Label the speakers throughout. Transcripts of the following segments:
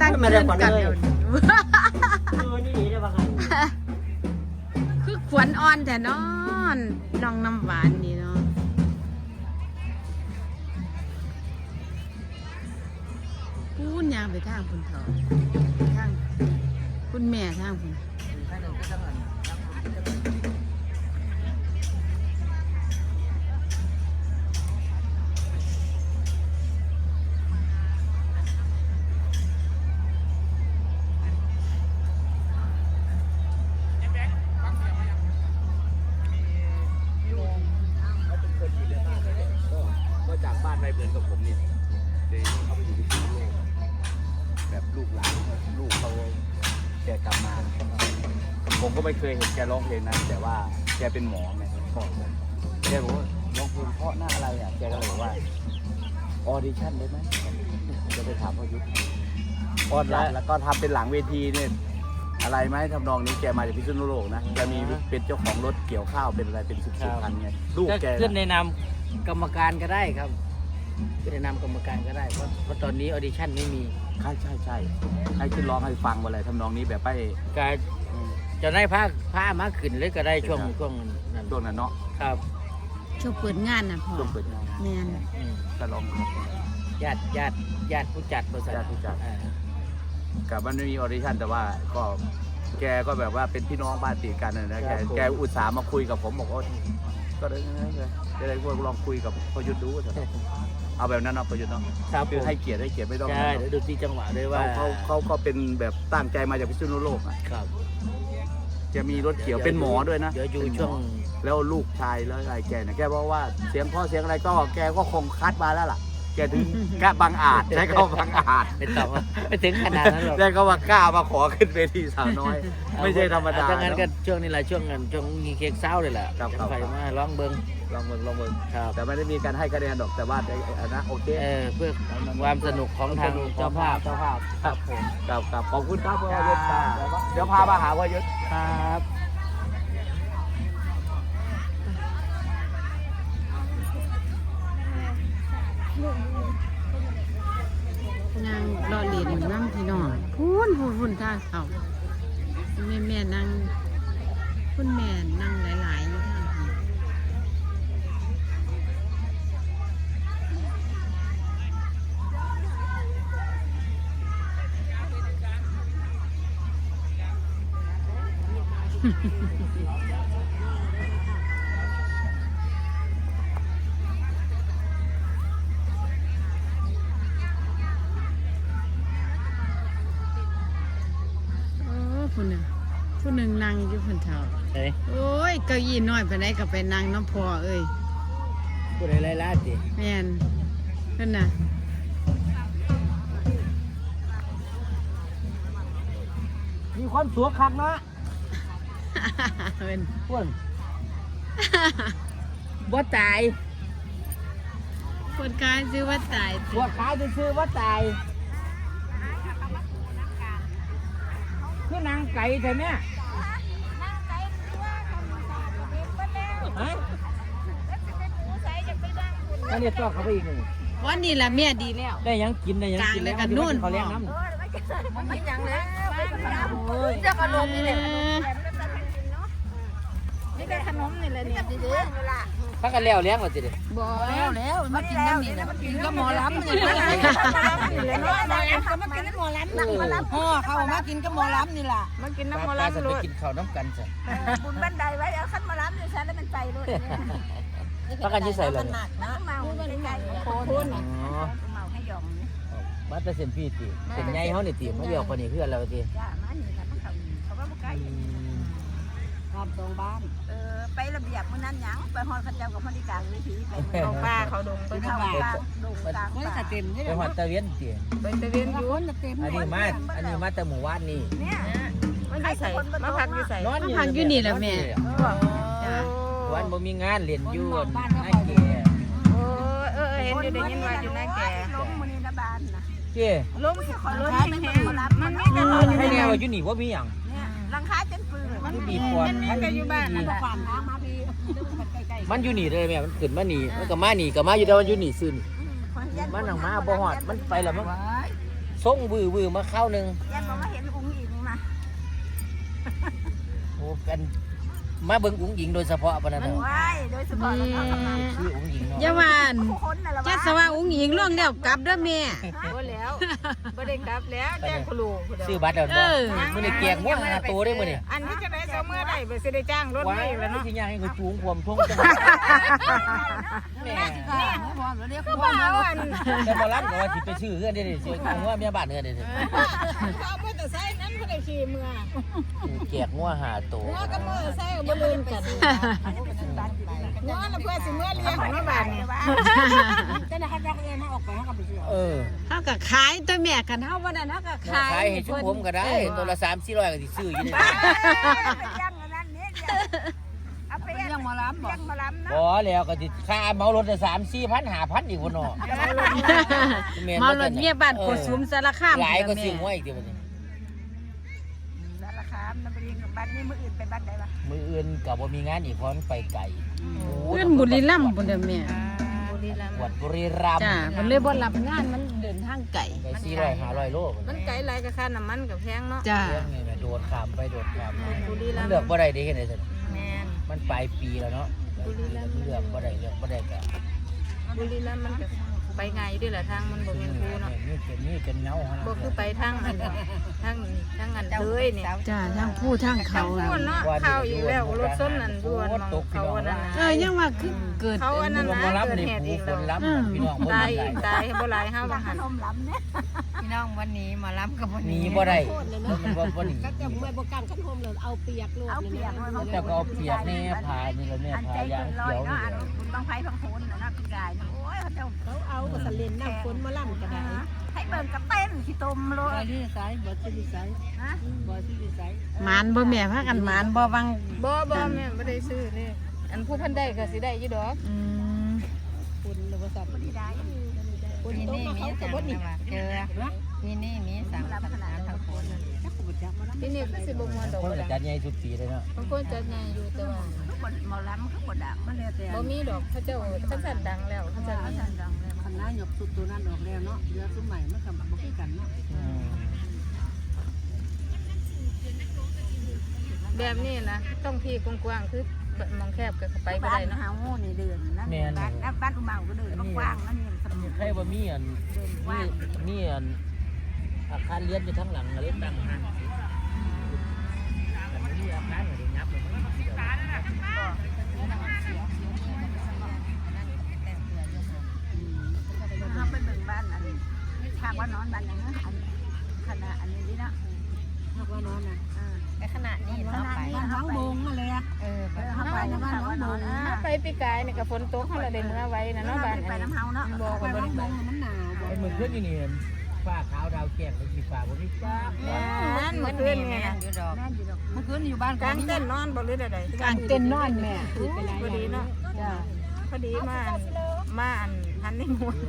Speaker 1: ตั้งคืนกันอยู่
Speaker 2: นี่ได้บ้าง
Speaker 1: คือขวัญอ่อนแต่นอนน้องน้ำหวานนี่เนาะพูนยางไปทางคุณเถาทางคุณแม่ทางคุณ
Speaker 3: จากบ้านไปเหมือนกับผมเนี่ยเดี๋ยวเขาไปอยู่ที่โลกแบบลูกหลานลูกเขาแกกลับมาผมก็ไม่เคยเห็นแกร้องเพลงนั้นแต่ว่าแกเป็นหมอไงพ่อผมแกบอกว่าร้องเพลงเพราะหน้าอะไรอ่ะแกก็เลยบอกว่าออดิชั่นได้ไหมจะไปถามพ่อยุทธออดแล้วก็ทำเป็นหลังเวทีเนี่ยอะไรไหมทำนองนี้แกมาจากพิษณุโลกนะแกมีเป็นเจ้าของรถเกี่ยวข้าวเป็นอะไรเป็นสิบคันไงลูกแก
Speaker 2: ขึ้นในนามกรรมการก็ได้ครับขึ้นในนามกรรมการก็ได้เพราะตอนนี้ออดิชั่นไม่มี
Speaker 3: ใช่ให้ขึ้นร้องให้ฟังอะไรทำนองนี้แบบไป
Speaker 2: การจะได้ผ้ามาขึ้นเลยก็ได้ช่วงนั้น
Speaker 3: เนาะ
Speaker 2: ครับ
Speaker 1: ช่วงเปิดงานนะพ่อ
Speaker 3: ช่วงเปิดงาน
Speaker 1: แม่น
Speaker 3: ก็ร้อง
Speaker 2: ญาติผู้จัดบริษัท
Speaker 3: กับมันไม่มีออดิชั่นแต่ว่าก็แกก็แบบว่าเป็นพี่น้องบ้านติดกันนะแกอุตส่าห์มาคุยกับผมบอกว่าก็ได้จะได้ลองคุยกับพยุทธดูเอาแบบนั้นเนาะพยุทธเนาะคือให้เกียรติไม่ต้อง
Speaker 2: ใช่ดูที่จังหวะด้วยว่า
Speaker 3: เขาก็เป็นแบบตั้งใจมาจากพิษณุโลกอ่ะ
Speaker 2: ครับ
Speaker 3: จะมีรถเขียวเป็นหมอด้วยนะ
Speaker 2: เดี๋ยวอยู่ช่วง
Speaker 3: แล้วลูกชายแล้วอะไรแกเนี่ยแกบอกว่าเสียงพ่อเสียงอะไรก็แกก็คงคัดมาแล้วล่ะแกถึงกล้าบังอาจใช้คำบังอาจ
Speaker 2: ไม่ถึงขนาดนั้นหรอก
Speaker 3: ได้ก็ว่ากล้ามาขอขึ้นเวทีสาวน้อยไม่ใช่ธรรมดา
Speaker 2: ดังนั้นก็ช่วงนี้แหละช่วงมีเค้กเศร้าเลยแหละไฟมาร้องเบิ้ง
Speaker 3: แต่ไม่ได้มีการให้คะแนนหรอกแต่ว่านะโอเค
Speaker 2: เพื่อความสนุกของทางเจ้าภาพ
Speaker 3: ครับผมครับขอบคุณครับพ่อยุทธเดี๋ยวพามาหาพ่อยุทธ
Speaker 2: ครับ
Speaker 1: นางรอเหรียญนั่งพี่น้องพูนท่าเขาแม่นั่งคุณแม่นั่งหลายๆอยู่ท่านผู้หนึ่งนั่งอยู่คนเฒ่าโอ้ยเก้าอี้น้อยไปไหนก็ไปนั่งน้ำพอเอ้ย
Speaker 2: ผู้ใดไล่ล่าสิ
Speaker 1: แม่นนั่นน่ะ
Speaker 2: มีความสวยคักนะ
Speaker 1: เป็น
Speaker 2: พวกบ่ตาย
Speaker 1: คนกายซื้อว่าตาย
Speaker 2: บ่ขายจะซื้อว่าตายคือนางไก่ใช่ไหมอันนี้ต่อเขาไปอีกหนึ่ง
Speaker 1: วันนี้ละแม่ดีแล้ว
Speaker 2: ได้ยังกิน
Speaker 1: แล้วกันนู่น
Speaker 2: เขาเลี้ยงน้ำ
Speaker 4: มันกินยังเลยจะขนมนี่แหละนี่เป็นขนมนี่แหละนี่ดี
Speaker 2: พักกันแล้วเลี้ยงหรอจิเด็
Speaker 1: บ่แล้วมากินน้ำนี่นะกินก็หมอลำนี่แหละ
Speaker 4: มากินหมอลำนั่งหมอลำ
Speaker 1: พ่อเขามากินก็หมอลำนี่แหละ
Speaker 4: มากินน้ำหมอลำ
Speaker 2: เลยกินข้าวน้ำกันสิ
Speaker 4: บุญบันไดไว้เอาขั้นหมอลำอยู่ใช่แล้วมันใจด้วย
Speaker 2: พักกันยี่ใส่เลย
Speaker 4: นะเมาใกล้ๆโคนเมาให้ยอม
Speaker 2: มาแต่เส้นพี่ตีเส้นใหญ่เขาเนี่ยตีเขาเดียวคนนี้เพื่อนเราตี
Speaker 4: จ้ามันนี่แหละเขาว่าใกล้
Speaker 1: บ้านตรงบ้าน
Speaker 4: ไประเบียบมื้อนั้นหยังไปฮอดเขาเจ้ากับพนิการวิถีไปเอาป้าเขาดงไปเข้าป้าดงกลาง
Speaker 1: ป่าเต็มนี่
Speaker 2: ไปฮอดตะเวียนตี
Speaker 4: ไปตะเวียนอยู่
Speaker 2: อันนี้มาแต่หมู่บ้านนี่
Speaker 4: เนี่ยมันอยู่ใส่มาพักอยู่ใส่
Speaker 1: พักอยู่นี่แหละแม่
Speaker 2: วันบ่มีงานเรียนอยู่ไอ้แก่
Speaker 4: เห็นอยู่ได้ยินว่าอยู่ในแก่ล้มมื้อนี้นะบ้านนะ
Speaker 2: เจ้
Speaker 4: ล้มสิขอล้มแห้งมันมีแต่
Speaker 2: ให้แนวอยู่นี่ว่ามีหยัง
Speaker 4: หลังคาจนปืน
Speaker 2: มันบีบปอด
Speaker 4: มันก็อยู่บ้านนั่นแหละ
Speaker 2: มันอยู่นี่เลยแม่มันขึ้นมานี่มันก็มานี่ก็มาอยู่แต่มันอยู่นี่ซื่อนี่มันหนังมาบ่ฮอดมันไปแล้วมันส่งวือมาเข้านึง
Speaker 4: ยันบอกว่าเห็นอุ้งอิงนะ
Speaker 2: โอ้กันมาเบิ่งอุ้งหญิงโดยเฉพาะปะนั่นน่ะ
Speaker 4: ว้ายโดยเฉพาะเราทำงาน
Speaker 2: ชื่ออุ้งหญิงเนาะ
Speaker 1: อย่าว่า
Speaker 4: ทุกคนน่ะละ
Speaker 1: แค่สว่าอุ้งอิงล่วงแล้วกลับเด้อแม่
Speaker 4: บ่แล้วบ่ได้กลับแล้วแจ้งครู
Speaker 2: ซื้อบัตรแล้ว
Speaker 1: เอ
Speaker 2: บ่
Speaker 1: อ
Speaker 2: มื้อนี้เกียงว่าหาตัวได้มื้อนี้
Speaker 4: อันนี้จะได้เสมอได้ไปสิได้จ้างรถ
Speaker 2: ว้า
Speaker 4: ไม่
Speaker 2: ย
Speaker 4: แล้วเนาะ
Speaker 2: สิย่างให้เขาจูงความท่งจัง
Speaker 4: แม่คือบ่เอาอัน
Speaker 2: แต่บ่รับก็ว่าสิไปซื้อเฮือนได้สิเอางัวเมียบ้านเฮือนได้สิ
Speaker 4: เขาบ่ต้องใช้นั้นบ่ได้ขี่เมื่อ
Speaker 2: เกียกงัวหาตัว
Speaker 4: หัวกับมือใส่บ่ลืมกันหัวแล้วเพื่อสิเมื่อเลี้ยงของบ้านนี่แต่ละเขาจะเอิ้นมาออกไปเฮาก็ไปซื้อ
Speaker 2: เออ
Speaker 1: เฮาก็ขายตัวแม่กันเฮาบ่ได้เฮาก็ขาย
Speaker 2: ขายให้ชุมผมก็ได้ตัวละ3-400ก็สิซื้ออยู่นี่
Speaker 4: ย่างอันนั้นนี่เอาไปย่างหมอลำบ่ย่างหมอลำเนาะ
Speaker 2: บ่แล้วก็สิค่าเหมารถ3-4,000 5,000อีกพุ่นเนาะ
Speaker 1: มารถเมียบ้านโกสุมสารคาม
Speaker 2: หลายก็
Speaker 1: แม่
Speaker 2: ซื้องัวอีกเดี๋ยวบัดนี้
Speaker 4: สารคามนำไปเรียนบ้านนี้มื้ออื่นไปบ้านใดวะ
Speaker 2: มื้ออื่นก็บ่มีงานอีกเพราะมันไปไกล
Speaker 1: เพิ่นบุรีรัมย์พุ่นเด้อแม่
Speaker 4: บุรีรัมย์
Speaker 2: วัดบุรีรัมย์
Speaker 1: จ้าเพิ่นเลยบ่รับงานมันเดินทางไกล
Speaker 2: ไป400-500 โล
Speaker 4: มันไกลหลายก็ค่าน้ำมันก็แพงเนาะ
Speaker 1: จ้า
Speaker 2: เรื่องนี้นะโดดข้ามไปโดดข้ามมา
Speaker 4: บุรีรั
Speaker 2: มัน
Speaker 4: มย์
Speaker 2: เลือกบ่ได้เด้เห็นได้ซั่น
Speaker 4: แม่น
Speaker 2: มันปลายปีแล้วเนาะ
Speaker 4: บุรีรัมย์
Speaker 2: เลือกบ่ได้ก็
Speaker 4: บุรีรัมย์มันก็ไปง่ายอยู่เด้อล่ะทางมันบ่แม่นคูเนาะ
Speaker 2: นี่เป็นเงาหั่น
Speaker 4: บ่คือไปทางอันเลยนี่
Speaker 1: จ้าทางผู้ทางเขา
Speaker 4: เขาเนาะเข้าอีกแล้วรถส้นนั่นด่วนมองเขาอันนั้น
Speaker 1: ยังว่าคือเกิด
Speaker 4: เขาอันนั้น
Speaker 2: บ่
Speaker 4: นะ
Speaker 2: รับ
Speaker 4: เกิด
Speaker 2: นี่
Speaker 4: เหตุ
Speaker 2: ผู้
Speaker 4: อีก
Speaker 2: ค
Speaker 4: แล้ว
Speaker 2: นรับพี่น้องบ่
Speaker 4: ตาย
Speaker 2: ได้
Speaker 4: ตายบ่หลายเฮาบ่หัน
Speaker 5: พี่น้องวันนี้มารับกับวัน
Speaker 2: หนี
Speaker 5: นี้
Speaker 2: บ่ได้มันบ่หนี
Speaker 5: ก็จะไม่บอกการขั้นโฮมเลยเอาเปียกลวก
Speaker 4: เอาเปียก
Speaker 2: แต่ก็เอาเปียกแน่พานี่แล้วแม่
Speaker 4: อัน
Speaker 2: พา
Speaker 4: ใจ
Speaker 2: ยาง
Speaker 4: เกินร้อ
Speaker 2: เขี
Speaker 4: ย
Speaker 2: ยวนี่
Speaker 4: เนาะอันคุณบางไผบางโหนนะพี่กายโอ้ยเขาเจ้า
Speaker 5: เขาเอาสลินน้ำฝนมาล่ำก็ได้
Speaker 4: ให้เบิ่งกับเต้นขี้ตมโล
Speaker 5: บอยที่สายบอยที่สาย
Speaker 4: นะ
Speaker 5: บอยที่สาย
Speaker 1: หมานบ่แม่พากันหมานบ่วัง
Speaker 4: บ่แม่บ่ได้ซื้อนี่อันผู้เพิ่นได้ก็สิได้อยู่ดอก
Speaker 1: อืม
Speaker 5: คุณหรือว่าสับ
Speaker 4: บ่ได้
Speaker 5: คุณ
Speaker 6: ที่
Speaker 5: ต้ม
Speaker 6: นี่
Speaker 5: มา
Speaker 6: มี
Speaker 5: เขา
Speaker 6: สั่
Speaker 5: กับ
Speaker 6: ง
Speaker 5: ว่านี่
Speaker 6: มาเจอที่นี่มีสั่งขนาดทั้งคน
Speaker 5: ถ้าคุณจับมาแล้ว
Speaker 4: ที่นี่คือสิบ่ม่วนดอก
Speaker 2: คน
Speaker 4: บ่
Speaker 2: ก็
Speaker 4: ล่ะ
Speaker 2: จัดใหญ่ทุกปีเลยเนาะ
Speaker 4: บางคนจัดใหญ่อยู่แต่ว่า
Speaker 5: ทุกคนมาล้ำทุกคนดักมันเลยแต่
Speaker 4: บ่มีดอกเขาเจ้าเขาสั่นดังแล้วเขาสั่นมี
Speaker 5: คณะหยกสุดตัวนั้นออกแล้วเนาะเรือซุ้มใหม่มันกับบ่คือกันเนาะ
Speaker 4: แบบนี้นะต้องที่กว้างๆคือมองแคบก็เข้าไปบ่
Speaker 5: บ้า
Speaker 4: ได้
Speaker 5: น
Speaker 4: เนาะ
Speaker 5: เฮานี่เดือนนั่นบ้านอุมาก็เดือนกว้างนั่นนี่สมุน
Speaker 2: ใครว่ามีอันมีอันอาคารเรียนอยู่ทั้งหลังเลยตั้งห้างแต่มันมีอาคารอะไรยับเลยมันมีแต่
Speaker 5: เขาไปเบิ่งบ้านอันทางว่านอนบ้านอย่างนั้นอันขณะอันนี้นี่นะทางว่านอนน่ะ
Speaker 6: ในขณะนี้
Speaker 5: ข
Speaker 6: เรา
Speaker 5: ณะ
Speaker 6: ไป
Speaker 5: นี้น้องบงอะไรอ่ะ
Speaker 6: เออไป
Speaker 5: เขาไปนะบ้านน้องบง
Speaker 4: ถ้าไปปีกายนี่ก็ฝนตกเฮาละได้เมื่อไว้นะเนาะบ้าน
Speaker 5: ไปน้ำเฮาเนาะ
Speaker 4: บ่
Speaker 5: ไป
Speaker 4: ก็บ่
Speaker 5: น้องบ
Speaker 4: ได้
Speaker 5: งมันหนาว
Speaker 2: เป็นเหมือนเพื่อนอยู่นี่ฟ้าขาวดาวแก้มเป็นสีฟ้าบนนี้ฟ้า
Speaker 4: นั่นเมื่อคืนนี่นะ
Speaker 6: อยู่ดอก
Speaker 5: แม่อยู่ดอก
Speaker 6: เมื่อคืนอยู่บ้าน
Speaker 4: กลางเต้นนอนบ่หรือใด
Speaker 1: กลางเต็นท์นอนแม่
Speaker 4: พอดีเนาะ
Speaker 1: จ้า
Speaker 4: พอดีมาอันฮันนี่มูน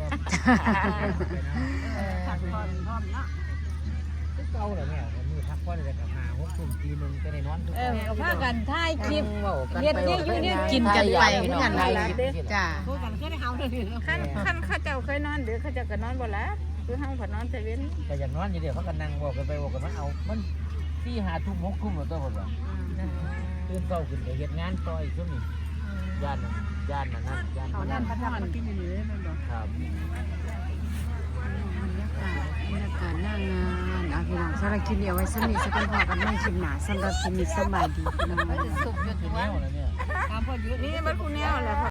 Speaker 5: ผักผ่อนพร้อมเนาะ
Speaker 2: เก่าเลยแม่มือพักผ่อนเลยกับ5-6 ทุ่มตีนึงจะได้นอนทุก
Speaker 1: ก็พากันถ่ายคลิป
Speaker 2: เฮ็ด
Speaker 1: กินกันไปเหมือนกันจ้า
Speaker 5: พูดกันแค่ได้เฮาเลย
Speaker 4: ขั้นเขาเจ้าเคยนอนเดี๋ยวเขาเจ้าก็นอนบ่ละคือเฮาผัดนอนแต่เว้น
Speaker 2: แต่อย่างนอนอยู่เดียวเขาก็นั่งบอกกันไปบอกกันมาเอามัน4-5 ทุ่ม 6 ทุ่มแล้วตัวคนว่าตื่นเช้าขึ้นไปเฮ็ดงานต่ออีกช่วงนี้ย่านนั่นย่าน
Speaker 5: เขานั่นประจำกินอยู่นี่มันบอก
Speaker 2: ครับ
Speaker 1: บรรยากาศหน้างานพี่น้องสำหรับคลิปนี้เอาไว้สนิทสักคนพอกันไม่คลิปหนาสำหรับคลิปนี้สบายดีพี่น้อง
Speaker 6: สุกอยู่
Speaker 2: คือ
Speaker 6: ตัว
Speaker 2: แนวแล้วเนี่ย
Speaker 6: ตามพ่อยุทธ
Speaker 4: นี่มันผู้แนวแหละ